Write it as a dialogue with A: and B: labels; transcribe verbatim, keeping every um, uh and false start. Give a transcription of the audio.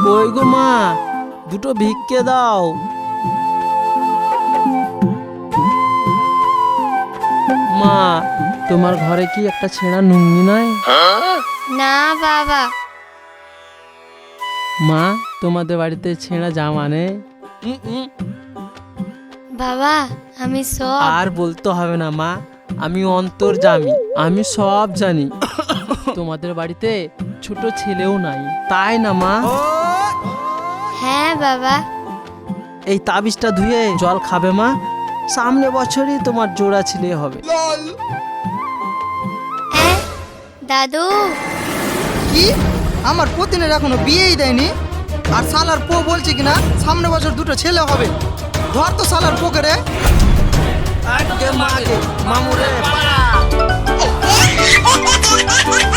A: কই গো মা, দুটো ভিক্ষে দাও। মা, তোমার ঘরে কি একটা ছেঁড়া লুঙ্গি নাই?
B: না বাবা।
A: মা, তোমাদের বাড়িতে ছেঁড়া জামা নেই?
B: বাবা আমি সব
A: আর বলতে হবে না মা, আমি অন্তর্যামী, আমি সব জানি। তোমাদের বাড়িতে ছোট ছেলেও নাই, তাই না মা?
B: হ্যাঁ বাবা।
A: এই তাবিজটা ধুয়ে জল খাবে মা, সামনে বছরই তোমার জোড়া ছেলে হবে।
B: এ, দাদু
C: কি আমার পতিনের এখনো বিয়েই দেয়নি, আর শালার পো বলছে কিনা সামনে বছর দুটো ছেলে হবে। ধর তো শালার পোকে রে।
A: মামুরে